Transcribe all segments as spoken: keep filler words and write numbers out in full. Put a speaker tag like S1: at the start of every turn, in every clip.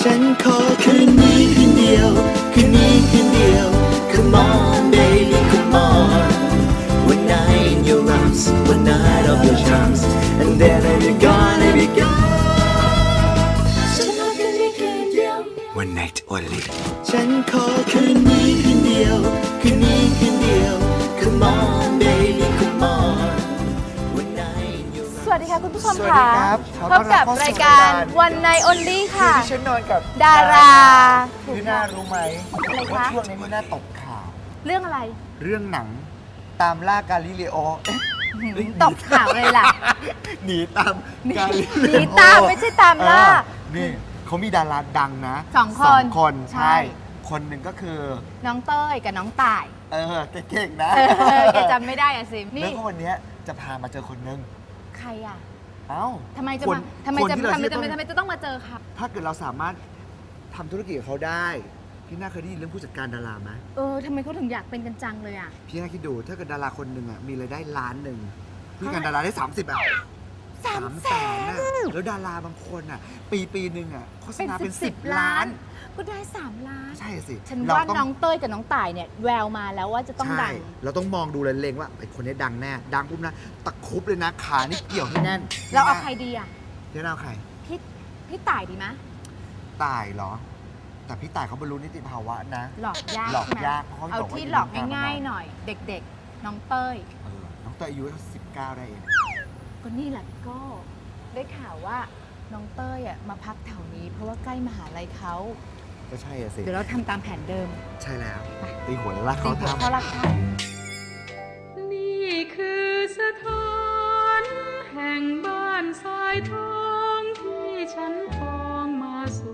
S1: ฉันขอคืนนี้คืนเดียวคืนนี้คืนเดียว Come on baby come on One night in your arms One night of your charms And then I'll be gone I'll be gone ฉันขอคืนนี้คืนเดียว One night only ฉันขอคืนนี้คืนเดียวคืนนี้คืนเดียว Come on baby come on One night in your arms
S2: สวัสดีค่ะคุณผู้ชม
S3: สวัสดี
S2: ค่ะ
S3: ครับ
S2: พบกับรายการวันใน Only ค่ะ
S3: ที่ฉันนอนกับ
S2: ดาราถูก
S3: พี่น่ารู้ไหม
S2: อะไรคะ
S3: ว่าช่วงนี้พี่น่าตกข่าว
S2: เรื่องอะไร
S3: เรื่องหนังตามล่ากาลิเลโอเอ๊ะ
S2: ตบข่าวเลยล่ะ
S3: หนีตามกาลิ
S2: หนีตามไม่ใช่ตามล่า
S3: เออนี่เขามีดาราดังนะ
S2: สองคน
S3: คน
S2: ใช่
S3: ใช่ คนหนึ่งก็คือ
S2: น้องเต้ยกับน้องต่าย
S3: เออเก่งๆนะ
S2: เออแกจำไม่ได้อะสิ
S3: แล้
S2: นี่
S3: วก็วันเนี้ยจะพามาเจอคนหนึง
S2: ใครอ่ะ
S3: เอ้า
S2: ทำไมจะ
S3: คน
S2: มาทำไม
S3: คน
S2: จะ
S3: ที่เรา
S2: ทำไม
S3: เชื่อ
S2: จะ
S3: ว่า
S2: ทำไมจะต้องมาเจอค่ะ
S3: ถ้าเกิดเราสามารถทำธุรกิจกับเขาได้ พี่น่าเคยได้ยินเรื่องผู้จัดการดาราไหม
S2: เออทำไมเขาถึงอยากเป็นกันจังเลยอ่ะ
S3: พี่น่าคิดดูถ้าเกิดดาราคนหนึ่งอ่ะมีรายได้ล้านหนึ่งพี่การดาราได้สามสิบอ่ะ
S2: สามแสน
S3: อะแล้วดาราบางคนอ่ะ ปีปีหนึ่งอ่ะโฆษ
S2: เป็น
S3: ณา
S2: สิ
S3: เป็
S2: บ
S3: น
S2: สิ
S3: สิ
S2: บบ ล้า
S3: ล้าน น
S2: ก็ได้สามล้าน
S3: ใช่สิ
S2: ฉัน
S3: เรา
S2: ว่า
S3: ต้อง
S2: น้องเต้ยกับน้องต่ายเนี่ยแววมาแล้วว่าจะต้อง
S3: ใช่
S2: ดัง
S3: เราต้องมองดูเลยเล็งว่าไอ้คนนี้ดังแน่ดังปุ๊บนะตะครุบเลยนะขานี่เกี่ยวให้แน่น
S2: เราเอาใครดีอ่ะ
S3: พี่น่าเอาใคร
S2: พี่พี่ต่ายดีไหม
S3: ตายเหรอ แต่พี่ตายเขาบรรลุนิติภาวะนะ
S2: หลอกยาก
S3: หลอก
S2: ใช่ไหม
S3: ยากเพราะเขา
S2: เอา
S3: บอกว่า
S2: ที่
S3: อยู่
S2: หลอก
S3: ในวงการ
S2: ง่าย
S3: มานาน
S2: ๆหน่อย เด็กๆ น้องเต้ย
S3: เออน้องเตยอายุสิบเก้าได้เอง
S2: ก็นี่แหละพี่โก็ได้ข่าวว่าน้องเต้ยอ่ะมาพักแถวนี้ เพราะว่าใกล้มหาลัยเขา
S3: ก็ใช่อะสิ
S2: เดี๋ยวเราทำตามแผนเดิม
S3: ใช่แล้วตีหัวแล้วลาก
S2: ตี
S3: เขา
S2: หัว
S3: ทำ
S2: เข้ารักท่าน
S4: นี่คือสถานแห่งบ้านทรายทองที่ฉันทองมาสู่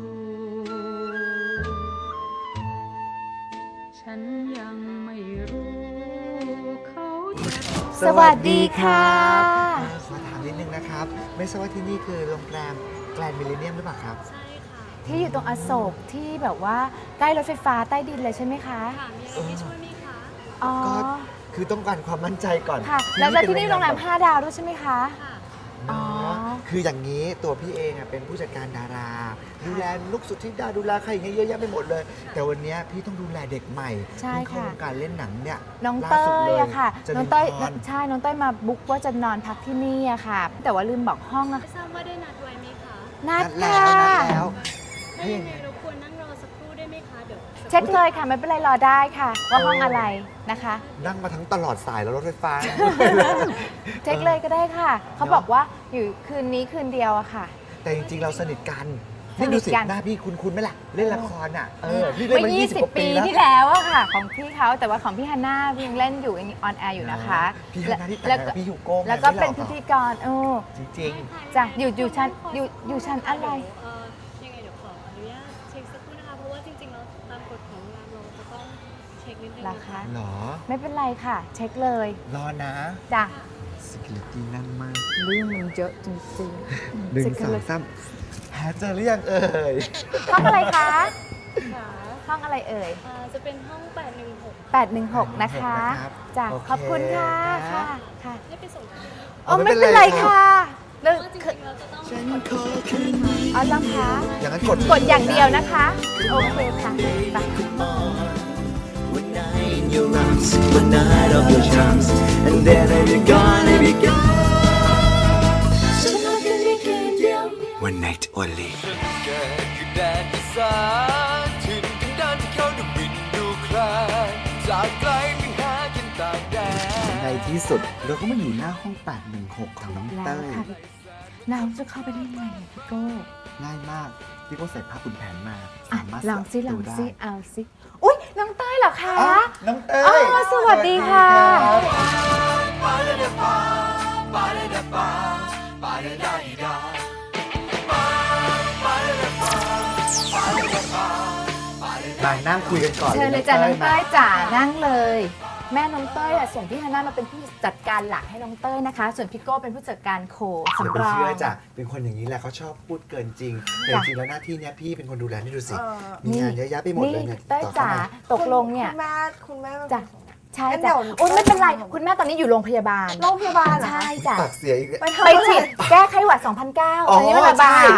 S4: ฉันยังไม่รู้เขาจะ
S2: สวัสดีค่ะ
S3: ขอถามนิดนึงนะครับ ไม่ทราบว่าที่นี่คือโรงแรมแกรนด์มิลเลนเนียมหรือเปล่าครับ
S2: ที่อยู่ตรงอโศกที่แบบว่าใกล้รถไฟฟ้าใต้ดินเลยใช่ไหมคะ
S4: ค่ะมีอะไรให้ช่วยไหมคะ
S2: อ๋อ
S3: ก็คือต้องการความมั่นใจก่อน
S2: ค่ะ แล้วแล้วที่นี่
S3: เป็
S2: โรงแรมห้าดาวด้วยใช่ไหมคะ
S4: ค่ะ
S3: เนอะ
S2: อ๋อ
S3: คืออย่างนี้ตัวพี่เองอะเป็นผู้จัดการดารา ดูแลลูกสุดที่ดาดูแลใครอย่างเงี้ยเยอะแยะไปหมดเลย แต่วันเนี้ยพี่ต้องดูแลเด็กใหม่
S2: ใช่
S3: เพิ่งเข้า
S2: ค่ะ
S3: วงการเล่นหนังเนี่ย
S2: น้อง
S3: ล่า
S2: เต้
S3: สุดเลย
S2: อะค่ะ
S3: จะ
S2: น้องเต้ย
S3: มีพร
S2: ใช่ น้องเต้ยมาบุ๊กว่าจะนอนพักที่นี่อะค่ะ แต่ว่าลืมบอกห้องนะ
S4: ไม่ทราบว่าได้นัดไว้ไหมคะ
S2: นัด
S3: นัด
S2: ค่ะ
S3: แล้วนัดแล้ว
S4: ถ้ายังไงรบกวนนั่งรอสักครู่ได้ไหมคะ เดี๋ยวสัก
S2: เช็คเลยค่ะ ไม่เป็นไรรอได้ค่ะ ว่าห้องอะไรนะคะ
S3: นั่งมาทั้งตลอดสายแล้วรถไฟฟ้า
S2: เช็คเลยก็ได้ค่ะ เขาบอกว่าอยู่คืนนี้คืนเดียวอะค่ะ
S3: แต่จริงๆ เราสนิทกัน
S2: สนิ
S3: นี่
S2: ท
S3: ดูสิ
S2: กัน
S3: หน้าพี่คุ้นๆไหมล่ะ เล่นละครอ่ะ เออ พี่เล่น
S2: เมื่
S3: มา
S2: อ
S3: ยี่สิบกว่า
S2: ปี
S3: ปีแล้ว
S2: ที่แล้วอะค่ะ ของพี่เขาแต่ว่าของพี่ฮันน่ายังเล่นอยู่ยังออนแอร์อยู่นะคะ
S3: พี่ฮันน่าที่แต่ง
S2: แล้ว
S3: งานกับพี่ฮิวโก้ไง
S2: แล้วก็
S3: ไม่หรอ
S2: เป็นพิธีกรเออ
S3: จริง
S2: จ้ะอยู่อยู่ชั้นอยู่อยู่ชั้นอะไร
S4: เอ่อยังไงเดี๋ยวขออนุญาตเช็คสักครู่นะคะ เพราะว่าจริงๆแล้วตามกฎของโรงแรมเราจะต้องเช็คนิดนึง
S2: รา
S4: นะ
S2: คา
S4: คะ
S3: ๆหรอ
S2: ไม่เป็นไรค่ะ เช็คเลย
S3: รอนะ
S2: จ้ะ
S3: security นั่งมาก
S2: เรื่องมันเยอะจริง
S3: หนึ่งสอง
S2: Security
S3: สามหาเจอหรือยังเอ่ย
S2: ห้องอะไรคะ
S4: ค่ะ
S2: ห้องอะไรเอ่ย
S4: อ่าจะเป็นห้องแปดหนึ่งหก
S2: แปดหนึ่งหกนะคะจ้ะ
S3: โอเค
S2: ขอบคุณค่ะ
S3: นะ
S2: ค่ะค่ะ
S4: ให้ไปส่งที่
S2: อ๋อไม่เป็นไรค่ะเรื่อง
S4: เพราะว่าจ
S2: คือ
S4: ริงๆเราจะต้อง
S1: ฉันขอคืนนี้
S2: อ๋อจ้ะคะ
S3: อย่างนั้นกด
S2: กดอย่างเดียวนะคะ โอเคค่ะไป
S1: One night in your arms One night of your charms And then I'll be gone I'll be gone ฉันขอคืนนี้คืนเดียว One night only
S5: เกิดคือแดนอีสานถิ่นกันดานที่เขาดูบินดูคลายจากไกลไปหากินต่างแดน
S3: ในที่สุดเราก็มาอยู่หน้าห้องแปดหนึ่งหกของน้อง
S2: แล้ว
S3: เต้ย
S2: ค่ะเราจะเข้าไปได้ยังไงเนี่ยพี่โก้
S3: ง่ายมาก พี่ก็ใส่ผ้าขุนแผนมา
S2: อ่ะ
S3: สามารถ
S2: ลองซิล
S3: ดู
S2: อง
S3: ได้
S2: ซิเอาซิอุ้ยน้องเต้ยเหรอคะ
S3: อ้าวน้องเต้
S2: อ๋อย สวัสดีค่ะ
S3: มานั่งคุยกันก่อน
S2: เชิญเลยจ้ะน้องเต้ย
S3: มา
S2: จ๋านั่งเลย แม่น้องเต้ยอ่ะส่งพี่ฮันน่ามาเป็นผู้จัดการหลักให้น้องเต้ยนะคะ ส่วนพี่โก้เป็นผู้จัดการโค
S3: อย่า
S2: สำ
S3: ไป
S2: รอง
S3: เชื่อจ้ะเป็นคนอย่างนี้แหละเขาชอบพูดเกินจริง แต่จ
S2: จ้ะ
S3: ริงๆแล้วหน้าที่เนี้ยพี่เป็นคนดูแลนี่ดูสิ
S6: เออ
S3: มีงานเยอะแยะไปหมดเลยเนี่ย
S2: เต้ย
S3: ต่อ
S2: จ๋า
S3: เข้ามา
S2: ตกลงเนี่ย
S6: คุณแม่คุณแม่
S2: จ้ะใช่
S6: งั้นเดี๋
S2: จ้ะ
S6: ยว
S2: โอ้ยไม่เป็นไรคุณแม่ตอนนี้อยู่โรงพยาบาล
S6: โรงพยาบาลเหรอคะ
S2: ใช่จ้ะ
S3: ปากเสียอีก
S6: ไปทำ
S2: ไปฉีดแก้ไข้หวัด สองพันเก้า
S3: อ๋อ
S2: ตอนนี้มันระบาด
S3: ใช่ เอ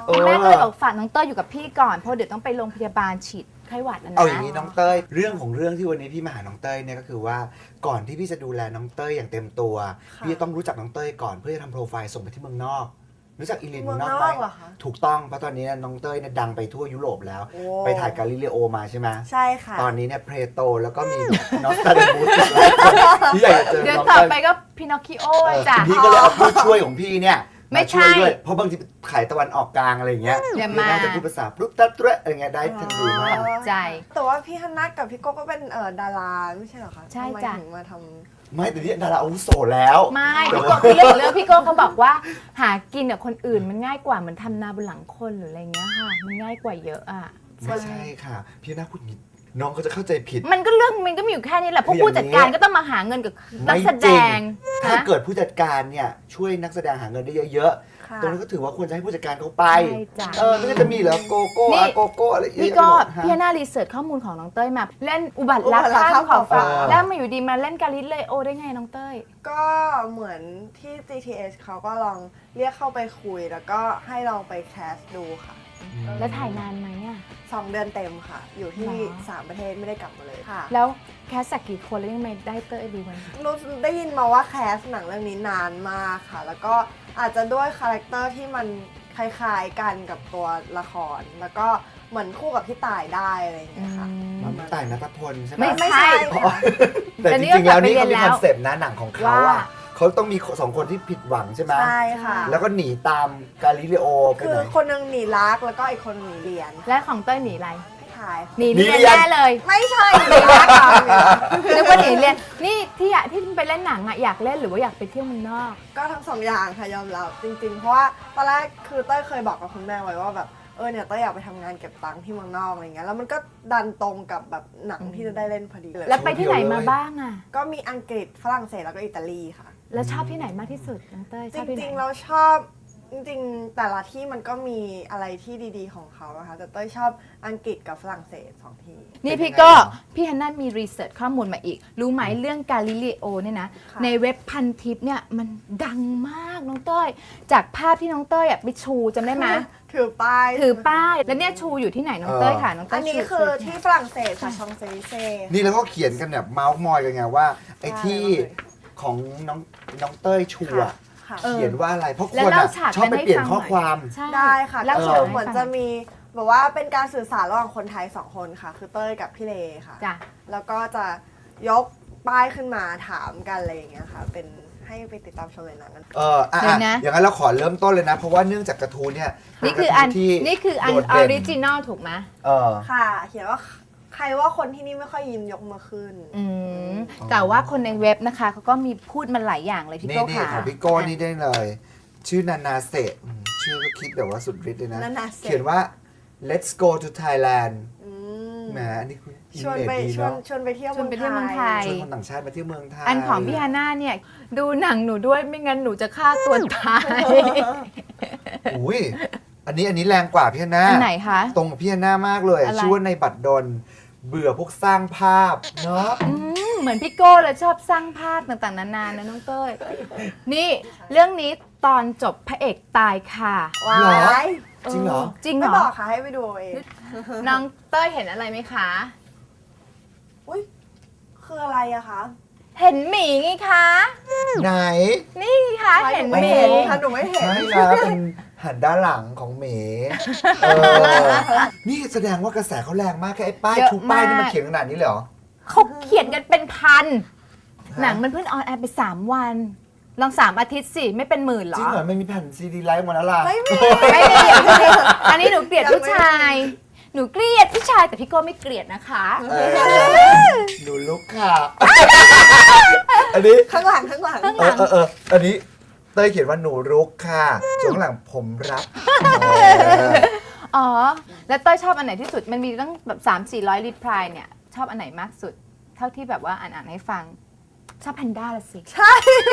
S3: ออ
S2: แม่ก็เลยบอกฝากน้องเต้ยอยู่กับพี่ก่อนเพราะเดี๋ยวต้องไปโรงพยาบาลฉีดไข้หวัดนะนะ
S3: เอาอย่างนี้น้องเต้ยเรื่องของเรื่องที่วันนี้พี่มาหาน้องเต้ยเนี่ยก็คือว่าก่อนที่พี่จะดูแลน้องเต้ยอย่างเต็มตัวพี่ต้องรู้จักน้องเต้ยก่อนเพื่อจะทำโปรไฟล์ส่งไปที่เมืองนอกรู้จักอีลินเมืองนอกไหม
S6: เมืองนอกเหรอคะ
S3: ถูกต้องเพราะตอนนี้เนี่ยน้องเต้ยเนี่ยดังไปทั่วยุโรปแล้ว
S6: โอ้
S3: ไปถ่ายกาลิเลโอมาใช่ไหม
S6: ใช่ค่ะ
S3: ตอนนี้เนี่ยเพรโตแล้วก็มีนอสตาเดมูสที่อยากจะเจอ
S2: เดี๋ยว
S3: น้อง
S2: ต่อ
S3: เต้ย
S2: ไปก็พินอคคิโอ
S3: เออ
S2: จ้ะ
S3: พี่ก็เลยเอาผู้ช่วยของพี่เนี่ย
S2: ไม่
S3: าช่วย
S2: ใช่
S3: ด้วยเพราะบางทีขายตะวันออกกลางอะไรอย่างเงี้ย
S2: เดี๋ยว
S3: พี่
S2: มา
S3: น่าจะพูดภาษาปุ๊บตัดเตะอะไรเงี้ยได้ทันทีมาก
S2: ใจ
S6: แต่ว่าพี่ฮันนัทกับพี่โก้ก็เป็นเอ่อดาราไม่ใช่เหรอคะ
S2: ใช่
S6: ทำไม
S2: จ้ะ
S6: ถึงมาท
S3: ไม่แต่นี่ดาราอาวุโสแล้ว
S2: ไม่พี่โก้คือเรื่องของเรื่องพี่โก้เขาบอกว่าหากินกับคนอื่นมันง่ายกว่าเหมือนทำนาบนหลังคนหรืออะไรเงี้ยค่ะ มันง่ายกว่าเยอะอ่ะ
S3: ไม่ใช่ค่ะ พี่น่าพูดอย่างนี้น้องเขาจะเข้าใจผิด
S2: มันก็เรื่องมันก็มีอยู่แค่นี้แหละพวก
S3: คืออย่าง
S2: ผู้จัดการ
S3: นี้
S2: ก็ต้องมาหาเงินกับนักแสดง
S3: ไม่จริถ้า
S2: นะ
S3: เกิดผู้จัดการเนี่ยช่วยนักแสดงหาเงินได้เยอะ
S6: ำค่ะ
S3: ๆตรงนั้นก็ถือว่าควรจะให้ผู้จัดการเขาไป
S2: ใช่จ้ะ
S3: เออไม่งั้นจะมีเหรอโกโก้
S2: นี่
S3: อะโกโก้อะไรเยอะ
S2: พี่
S3: แยะ
S2: ก็
S3: ไปหมดฮะ
S2: พี่หน้ารีเสิร์ชข้อมูลของน้องเต้ยมาเล่นอุบัติรัก
S6: อุบัติรัก
S2: ข้ามขอบฟ้า
S3: เออ
S2: แล้วมาอยู่ดีมาเล่นกาลิเลโอได้ไงน้องเต้ย
S6: ก็เหมือนที่ จี ที เอส เขาก็ลองเรียกเข้าไปคุย แล้วก็ให้ลองไปแคสดูค่ะ
S2: แล้วถ่ายนานไหมอ่ะ
S6: สองเดือนเต็มค่ะ อยู่ที่
S2: หรอ
S6: สามประเทศไม่ได้กลับมาเลยค่ะ
S2: แล้วแคสสักกี่คนแล้วยังไม่ได้เต้ยดูมัน
S6: รู้ได้ยินมาว่าแคสหนังเรื่องนี้นานมากค่ะ แล้วก็อาจจะด้วยคาแรคเตอร์ที่มันคล้ายๆกันกับตัวละคร แล้วก็เหมือนคู่กับพี่ต่ายได้อะไรอย่างเงี้ยค่ะ
S2: อืม
S3: น้องต่ายนัทพลใช่ไหม
S2: ไม่
S6: ไม่
S2: ใช่
S6: ใช่ค่ะ
S3: แต่
S2: แต่
S3: จ
S2: นี่
S3: ริงๆแล้วนี่
S2: ก็
S3: เขา
S2: กลับไปเรียน
S3: มี
S2: แล้ว
S3: คอนเซปต์นะหนังของเขา
S2: ว่า
S3: อ่ะเขาต้องมีสองคนที่ผิดหวังใช่ไหม
S6: ใช่ค่ะ
S3: แล้วก็หนีตามกาลิเลโอไป
S6: คื
S3: ไห
S6: อน คนหนึงหนีรักแล้วก็อีกคนหนีเรียน
S2: และของเต้ยหนีอะไร
S6: ถ่าย
S2: หนี
S3: หนี
S2: เรียน
S3: เรียน
S2: แน่เลย
S6: ไม่ใช่หนีรักค่ะ
S2: นึกว่าหนีเรียนนี่ที่อยากที่ไปเล่นหนังอะอยากเล่นหรือว่าอยากไปเที่ยวเมืองนอก
S6: ก็ทั้งสองอย่างค่ะยอมรับจริงๆ เพราะว่าตอนแรกคือเต้ยเคยบอกกับคุณแม่ไว้ว่าแบบเออเนี่ยเต้ยอยากไปทำงานเก็บตังค์ที่เมืองนอกอะไรเงี้ยแล้วมันก็ดันตรงกับแบบหนังที่จะได้เล่นพอดีเลย
S2: แล้วไปที่ไหนมาบ้างอะ
S6: ก็มีอังกฤษฝรั่งเศสแล้วก็อิตาลีค่ะ
S2: แล้วชอบที่ไหนมากที่สุดน้องเต้ย
S6: จ
S2: ชอบที่ไหน
S6: ริงๆเราชอบจริงๆ แต่ละที่มันก็มีอะไรที่ดีๆของเขานะคะแต่เต้ยชอบอังกฤษกับฝรั่งเศสสองที่
S2: นี่
S3: เป็น
S2: พี่
S3: ยังไง
S2: ก็
S3: เหรอ
S2: พี่ฮันน่ามีรีเสิร์ชข้อมูลมาอีก รู้ไหมเรื่องกาลิเลโอเนี่ยนะ
S6: ค่ะ
S2: ในเว็บพันทิปเนี่ยมันดังมากน้องเต้ยจากภาพที่น้องเต้ยอะไปชูจำได้ไหม
S6: ถือป้าย
S2: ถือป้ายแล้วเนี่ยชูอยู่ที่ไหนน้องเต้ยค่ะน้องเต้
S6: อั
S2: ย
S6: นนี้
S2: ชู
S6: คือ
S2: ชู
S6: ที่ฝรั่งเศสค่ะชองเซลิเซ่
S3: นี่แล้วก็เขียนกันแบบเมาส์มอยกันไงว่าไอ้ที่
S6: ใช่เลย
S3: ของน้องน้องเต้ยชัวร์
S6: ค่ะ
S2: เออ
S3: เขียนว่าอะไร เพราะค
S2: แล้ว
S3: น
S2: เล่า
S3: อ่ะ
S2: ฉาก
S3: ชอบไป
S2: นั้นให้
S3: เปลี่ยน
S2: ฟัง
S3: ข้อ
S2: หน่อย
S3: ความ
S2: ใช่
S6: ได้ค่ะ
S2: แล้ว
S6: ก็
S2: เขี
S6: คื
S2: ย
S6: อ
S2: ให้
S6: เหมือน
S2: ฟัง
S6: จะมีแบบว่าเป็นการสื่อสารระหว่างคนไทยสองคนค่ะ คือเต้ยกับพี่เลค่ะ
S2: จ้ะ
S6: แล้วก็จะยกป้ายขึ้นมาถามกันอะไรอย่างเงี้ยค่ะ เป็นให้ไปติดตามชมในหนังกัน
S3: เอออ่ะ
S2: เดี๋ยวนะ
S3: อย่างนั้นเราขอเริ่มต้นเลยนะ เพราะว่าเนื่องจากกระทู้เนี่ย
S2: นี่คืออัน
S3: เป็กระทู้ที่
S2: นี่คืออัน
S3: โดด
S2: ออ
S3: เด่น
S2: ริจินอลถูกไหม
S3: เออ
S6: ค่ะ เขียนว่าใครว่าคนที่นี่ไม่ค่อยยิ้มยกมือขึ้น
S2: อืมแต่ว่าคนในเว็บนะคะเขาก็มีพูดมาหลายอย่างเลยพี่
S3: นี่
S2: โก้
S3: นี่
S2: ค่ะ
S3: ของพี่โก้นี่ได้เลย ชื่อนานาเซะอืมชื่อก็คิดแบบว่าสุดฤทธิ์เลยนะ
S6: นานาเซะ
S3: เขียนว่า let's go to Thailand
S6: อืม
S3: แหมอันนี้คุณอิ
S6: ช
S3: น
S6: วน
S3: เน
S6: ไป
S3: ดี
S6: ชวน
S3: เนาะ
S6: ชวนไปเที่ยว
S2: ชวนไปเที่ยวเมืองไทย
S3: ชวนคนต่างชาติมาเที่ยวเมืองไทย
S2: อันของพี่ฮาน่าเนี่ยดูหนังหนูด้วยไม่งั้นหนูจะฆ่าตัวตาย
S3: อุ้ยอันนี้อันนี้แรงกว่าพี่ฮันน่า
S2: อันไหนคะ
S3: ตรงกับพี่ฮันน่ามากเลย
S2: อะไร
S3: ชื่อว่าในบัตรดลเบื่อพวกสร้างภาพเนาะ
S2: อืมเหมือนพี่โก้เลยชอบสร้างภาพต่างๆนานานะน้องเต้ยนี่เรื่องนี้ตอนจบพระเอกตายค่ะ
S6: ว้า
S3: เหรอ
S6: ย
S3: จริงเหรอ
S2: จริงเหร
S6: ไม่
S2: อ
S6: บอกค่ะให้ไปดูเอาเอง
S2: น้องเต้ยเห็นอะไรไหมคะ
S6: อุ้ยคืออะไรอะคะ
S2: เห็นหมีไงคะ
S3: ไหน
S2: นี่ไงคะเห็นห
S6: ไม่
S2: มี
S6: เห็นค่ะหนูไม่เห็น
S3: ใช่นะเป็นหันด้านหลังของเหมเออนี่แสดงว่ากระแสเขาแรงมากแค่ไอ้ป้ายชูป้ายนี่มันเขียนขนาดนี้เลยเหรอ
S2: เขาเขียนกันเป็นพัน
S3: ฮะ
S2: หนังมันเพิ่งออนแอร์ไปสามวัน ลองสามอาทิตย์สิ ไม่เป็นหมื่นเหร
S3: จ
S2: อ
S3: ริงเหรอไม่มีแผ่นซีดีไลฟ์หมดแล้วล่ะ
S6: ไม่มี
S2: ไม่มีอันนี้หนูเกลียดผู้ชาย หนูเกลียดผู้ชายแต่พี่โก้ไม่เกลียดนะคะ
S3: เออหนูลุกค่ะ อันนี้
S6: ข้างหลังข้างหลัง
S3: เออเออเอออันนี้เต้ยเขียนว่าหนูรุกค่ะส่วนข้างหลังผมรับเออ
S2: อ๋อ แล้วเต้ยชอบอันไหนที่สุด มันมีตั้งแบบสามสี่ร้อยรีพลายเนี่ย ชอบอันไหนมากสุด เท่าที่แบบว่าอ่านอ่านให้ฟัง ชอบแพนด้าละสิ
S6: ใช่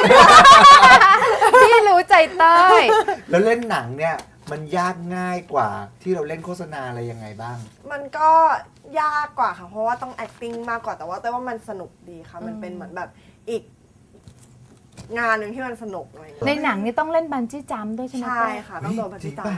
S2: พี่รู้ใจเต้ย
S3: แล้วเล่นหนังเนี่ยมันยากง่ายกว่าที่เราเล่นโฆษณาอะไรยังไงบ้าง
S6: มันก็ยากกว่าค่ะ เพราะว่าต้อง acting มากกว่าแต่ว่าแต่ว่ามันสนุกดีค่ะ มันเป็นเหมือนแบบอีกงานหนึ่งที่มันสนุกอะไรอย่าง
S2: ใน
S6: เงี้ย
S2: หนังนี่ต้องเล่นบันจี้จัมป์ด้วยใช่ไหม
S6: ใช่
S2: เต้ย
S6: ค่ะ ต้องโดนปฏิ
S3: จริง
S6: จา
S3: ป่ะ
S6: ด้วย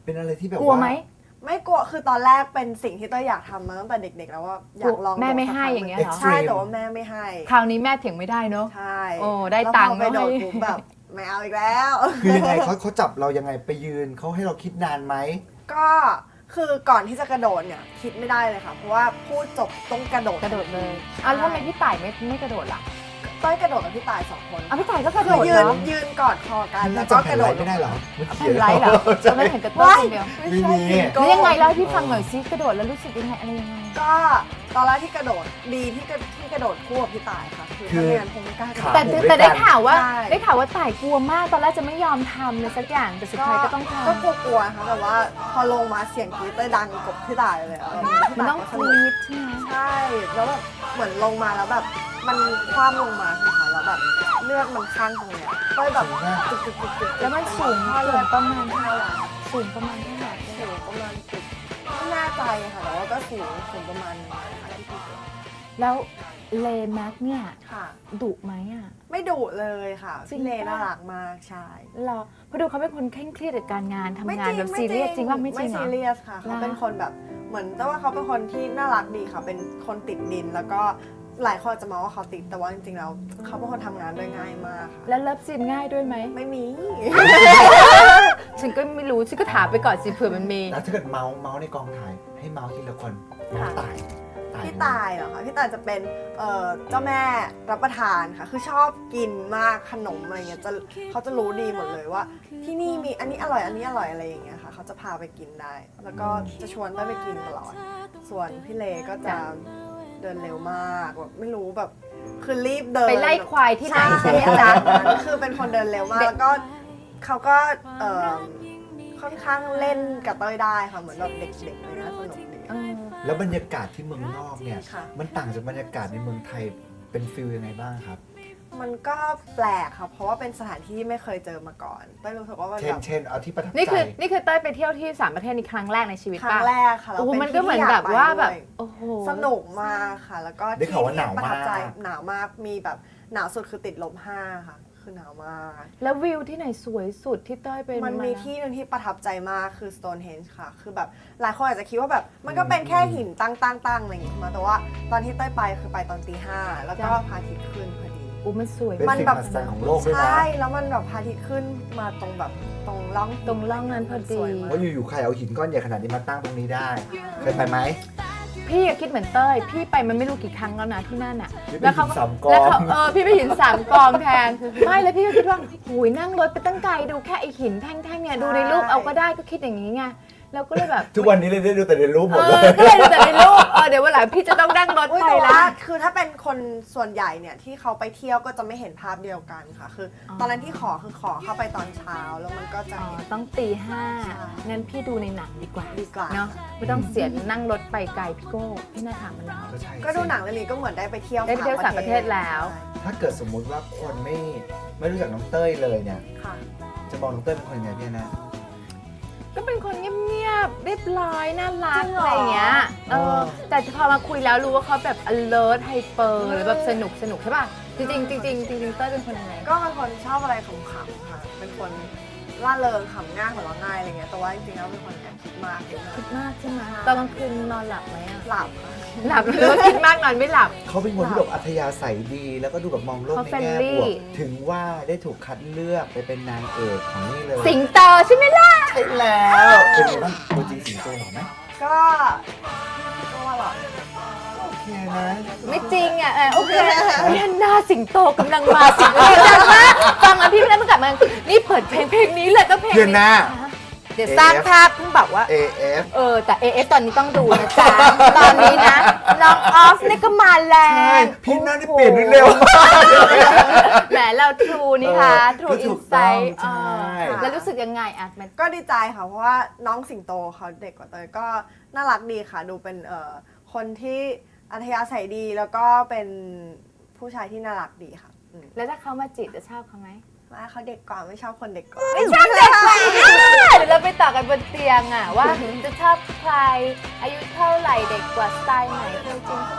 S3: เป็นอะไรที่แบบ
S2: กลัวไหม
S6: ไม่กลัวคือตอนแรกเป็นสิ่งที่เต้ยอยากทำมาตั้งแต่เด็กๆแล้วว่าอยากลอง
S2: แม่ไม่
S6: โดด
S2: ให้
S6: สักครั้
S2: อย่างเงี้ยเหรอ
S6: ใช่แต่ว่าแม่ไม่ให้
S2: คราวนี้แม่เถียงไม่ได้เนอะ
S6: ใช่
S2: โอ้ได้ตังค์
S6: แล้วพอไปโดด
S2: ไม่ให้
S6: ปุ๊บแบบไม่เอาอีกแล้ว
S3: คือยังไงเขาเขาจับเรายังไงไปยืนเขาให้เราคิดนานไหม
S6: ก็คือก่อนที่จะกระโดดเนี่ยคิดไม่ได้เลยค่ะ เพราะว่าพูดจบต้องกระโดด
S2: กระโดดเลยอ่ะแล้วทำไมพี่ต่ายไม่ไม่กระโดดล่ะ
S6: เต้ยกระโดดกับพี่ตายสองคน
S2: อ่ะพี่ต่ายก็กระโด
S6: คือ
S2: ด
S6: ยื
S2: เห
S6: น
S2: รอ
S6: ยืนกอดคอกัน
S3: แล้
S6: แล้ว ว
S3: ก็
S6: ก็
S3: ก
S6: ก
S3: ระ
S6: ระ
S3: โด
S6: โด
S3: ด
S6: ด
S3: ไม่ได้เหรอไม่
S2: แผ่
S3: เขีย
S2: น
S3: น
S2: ไลท์เหรอ
S3: ใช่
S2: เราไม่เห็นกระโดดคนเดียว
S6: ไม่ใช่
S3: ไม่มี
S6: ยืน
S2: แล้วยังไง
S6: ก่อน
S2: เล่าให้พี่ฟังหน่อยซิกระโดดแล้วรู้สึกยังไงอะไรยังไง
S6: ก็ตอนแรกที่กระโดดดีที่กระที่กระโดดคู่กับพี่ตายค่ะคือ
S3: คือ
S6: ถ้าไม่งั้นคงไม่กล้ากระโดด
S2: แต่
S3: ผูก
S2: แต่
S3: ด้วยกัน
S2: ได้ข่าวว่า
S6: ใช่
S2: ได้ข่าวว่าต่ายกลัวมากตอนแรกจะไม่ยอมทำเลยสักอย่างแต่สุดท้ายก็ต้องทำ
S6: ก็กลัวๆนะคะแต่ว่าพอลงมาเสียงกรี๊ดเต้ยดังกบพี่ตายเลยอะ
S2: มันต้อง
S6: พี่
S2: ก
S6: ตายก็สนุก
S2: รี๊ดใช่ไหม
S6: ใช่แล้วแบบเหมือนลงมาแล้วแบบมันคว่ำลงมาใช่ไหมคะแล้วแบบเลือดมันข้างตรงเนี้ยเต้ยแบบจุกจุกจุกจุก
S2: แล้วมันสูง
S6: เท่า
S2: สู
S6: ไหร่
S2: งประมาณ
S6: เท่าไหร่
S2: สูงประมาณเท่าไหร่
S6: สูงประมาณจุดไม่แน่ใจค่ะแต่ว่าก็สูงสูงประมาณนึงนะคะที่พี่เจอ
S2: แล้วเลแม็กเนี่ย
S6: ค่ะ
S2: ดุไหมอ่ะ
S6: ไม่ดุเลยค่ะ
S2: จริง
S6: พี่เล
S2: ปะ
S6: น่ารักมากใช่
S2: เหรอเพราะดูเขาเป็นคนเคร่งเครียดกับการงานทำ
S6: ไม่
S2: งานแบบซีเรียสจริงว่าไม่จริงเหร
S6: ซี
S2: อ
S6: เรียสค่ะเขาเป็นคนแบบเหมือนแต่ว่าเขาเป็นคนที่น่ารักดีค่ะ เป็นคนติดดินแล้วก็หลายคนอาจจะมองว่าเขาติดแต่ว่าจริงๆแล้วเขาเป็นคนทำงานด้วยง่ายมากค่ะ
S2: แล้วเลิฟซีนง่ายด้วยไหม
S6: ไม่มี
S2: ฉันก็ไม่รู้ฉันก็ถามไปก่อนสิเผื่อมันมี
S3: แล้วถ้าเกิดเมาส์เมาส์ในกองถ่ายให้เมาส์ทีละคนน้องตาย
S6: พี่ตายเหรอคะพี่ตายจะเป็นเอ่อเจ้าแม่รับประทานค่ะ คือชอบกินมากขนมอะไรเงี้ยจะเขาจะรู้ดีหมดเลยว่า ที่นี่มีอันนี้อร่อยอันนี้อร่อยอะไรอย่างเงี้ยค่ะเขาจะพาไปกินได้ แล้วก็จะชวนเต้ยไปกินตลอด ส่วนพี่เลก็จะเดินเร็วมากแบบไม่รู้แบบคือรีบเดิน
S2: ไปไล่ควายที่ไหน
S6: ใช่
S2: ใช่ไหม
S6: อะไร
S2: จ๊ะ
S6: แบบนั้นคือเป็นคนเดินเร็วมากแล้วก็เขาก็เอ่อค่อนข้างเล่นกับเต้ยได้ค่ะเหมือนแบบเด็กๆเลยนะสนุกดี
S2: เออ
S3: แล้วบรรยากาศที่เมืองนอกเนี่ย
S6: ค่ะ
S3: มันต่างจากบรรยากาศในเมืองไทยเป็นฟิลยังไงบ้างครับ
S6: มันก็แปลกค่ะเพราะว่าเป็นสถานที่ที่ไม่เคยเจอมาก่อนเต้ยรู้สึกว่ามัน
S3: เช่
S6: แบ
S3: น
S6: บ
S3: เช่นเอาที่ประทับ
S2: นี่คือ
S3: ใจ
S2: นี่คือเต้ยไปเที่ยวที่สามประเทศนี้ครั้งแรกในชีวิต
S6: ครั้
S2: ป่ะ
S6: งแรกค่ะแล้ว
S2: โอ้โห
S6: เป็น
S2: มัน
S6: ที่
S2: ก็เหมือน
S6: ที่
S2: แบ
S6: ยา
S2: บ
S6: ไป
S2: ว่าแบบ
S6: ด้วย
S2: โอ้โห
S6: สนุกมากค่ะ แล้วก็
S3: ได้ข่าวว่าหนาว
S6: ที่ประทับใจ
S3: มาก
S6: หนาวมากมีแบบหนาวสุดคือติดลบห้าค่ะคือหนาวมาก
S2: แล้ววิวที่ไหนสวยสุดที่เต้ยเป็น
S6: มันมี
S2: า
S6: ที่หนึงที่ประทับใจมากคือ Stonehenge ค่ะ คือแบบหลายคนอาจจะคิดว่าแบบมันก็เป็นแค่หินตั้งตั้งตั้งอะไรอย่างงี้ใช่ไหมแต่ว่าตอนที่เต้ยไปคือไปตอนตีห้าแล้วก็พระอาทิตย์ขึ้นพอดี
S2: อู้มันสวย
S3: เป็น
S6: มัน
S3: สิ่ง
S6: แบ
S3: ม
S6: บ
S3: หัศจรรย์ของโลกด้วยนะ
S6: ใช่ แล้วมันแบบพระอาทิตย์ขึ้นมาตรงแบบตรงร่องหิน
S2: ตรงร่องนั้นพอดี
S6: สวยมาก
S3: ว่าอยู่ๆใครเอาหินก้อนใหญ่ขนาดนี้มาตั้งตรงนี้ได้ เคยไปไหม
S2: พี่อะคิดเหมือนเต้ย พี่ไปมันไม่รู้กี่ครั้งแล้วนะที่นั่นอ่ะ
S3: พี่ไป
S2: แล้วเขา
S3: หินสามกอง
S2: แล้วเขาเออพี่ไปหินสามกองแทน ไม่แล้วพี่ก็คิดว่าหูยนั่งรถไปตั้งไกลดูแค่ไอหินแท่งๆเนี่ยดูในรูปเอาก็ได้ก็คิดอย่างนี้ไงแล้วก็เลยแบบ
S3: ทุกวันนี้เลยได้ดูแต่ในรูปหม
S2: เอ
S3: ดเล
S2: อย ก็เลยดูแต่ในรูปเออเดี๋ยววันหลังพี่จะต้องนั่งรถ
S6: อุ๊ย
S2: ไป
S6: แต่
S2: ละ
S6: ว่าคือถ้าเป็นคนส่วนใหญ่เนี่ยที่เขาไปเที่ยวก็จะไม่เห็นภาพเดียวกันค่ะ คืออ
S2: อ
S6: ตอนนั้นที่ขอคือขอเข้าไปตอนเช้าแล้วมันก็จะ
S2: อ๋อ
S6: เห็น
S2: ต้องตีห้า
S6: ใช่
S2: งั้นพี่ดูในหนังดีกว่า
S6: ดีกว่า
S2: เนาะไม่ต้องเสียนั่งรถไปไกลพี่โก้พี่น่าถามมันแล้ว
S3: ก็ใช่
S6: ก็ดูหนังเรื่องนี้ก็เหมือนได้ไปเที่ยว
S2: ได้ไปเที่ยวสามประเทศแล้ว
S6: ใช่
S3: ถ้าเกิดสมมุติว่าคนไม่ไม่รู้จักน้องเต้ยเลยเนี่ย
S6: ค่ะ
S3: จะมองน้องเต้ยเป็นคนยังไงพี่นะ
S2: ก็เป็นคนเงียบๆ เรียบร้อย น่ารัก
S6: จริงเหรออ
S2: อะไรอย่างเงี้ย เอ
S3: เอ
S2: อ
S3: อ
S2: แต่พอมาคุยแล้วรู้ว่าเขาแบบ alert hyper หรือแบบสนุกสนุกใช่ป่ะ จริงๆจริงๆจริงๆเต้ยเป็นคนยังไง
S6: ก็เป็นคนชอบอะไรขำๆค่ะ เป็นคนล่าเริงขำง่ายหัวเราะง่ายอะไรเงี้ย แต่ว่าจริงๆแล้วเป็นคนแอบคิดมากนิดนึ
S2: คิ
S6: ง
S2: ดมากใช่ไหมตอนกลางคืนนอนหลับไหมอะ
S6: หลับค่ะ
S2: หลับหรือว่าคิดมากนอนไม่หลับ
S3: เขาเป็นคนที่แบบอัธยาศัยดี แล้วก็ดูแบบมองโลก
S2: เขา
S3: ในแง่
S2: friendly
S3: บวกถึงว่าได้ถูกคัดเลือกไปเป็นนางเอกของนี่เลย
S2: สิงโตใช่ไหมล่ะ
S3: ใช่แล้วเป็นไงบ้างตัวจริงสิงโตหรอไหม
S6: ก็ก็ว่าหรอ
S3: โอเคนะ
S2: ไม่จริงอ่ะเออโอเคเนี่ยหน้าสิงโตกำลังมาสิงโตจังมากฟังแล้วพี่ไม่ได้เมื่อกลับมานี่เปิดเพลงเพลงนี้เลยก็เพลง
S3: เพื่อนหน้า
S2: เดี๋ยวสร้างภาพเพิ่งบอกว่า
S3: เอ เอฟ
S2: เออ แต่ เอ เอฟ ตอนนี้ต้องดูนะจ๊ะ ตอนนี้นะ น้องออฟนี่ก็มาแล้
S3: ใช่
S2: ว
S3: พี่หน้านี่เปลี่ยนเร็วมาก
S2: แหมเราทรูนี่ค่ะ
S3: เออ
S2: ทรู
S3: ก็
S2: อิ
S3: ถู
S2: น
S3: ก
S2: ไซ
S3: ต้อง
S2: ต์
S3: ใช่
S2: แล้วรู้สึกยังไงอ่ะมัน
S6: ก็ดีใจค่ะ เพราะว่าน้องสิงโตเขาเด็กกว่าเตยก็น่ารักดีค่ะ ดูเป็นเอ่อคนที่อัธยาศัยดีแล้วก็เป็นผู้ชายที่น่ารักดีค่ะอืม
S2: แล้วถ้าเขามาจีบจะชอบเขาไหม
S6: ไม่เขาเด็กกว่าไม่ชอบคนเด็กกว่า
S2: ไม่ชอบเด็กกว่าเดี๋ยวเราไปต่อกันบนเตียงอ่ะ ว่าจะชอบใคร อายุเท่าไหร่เด็กกว่าสไตล์ไหนเคยจริงฝรั่ง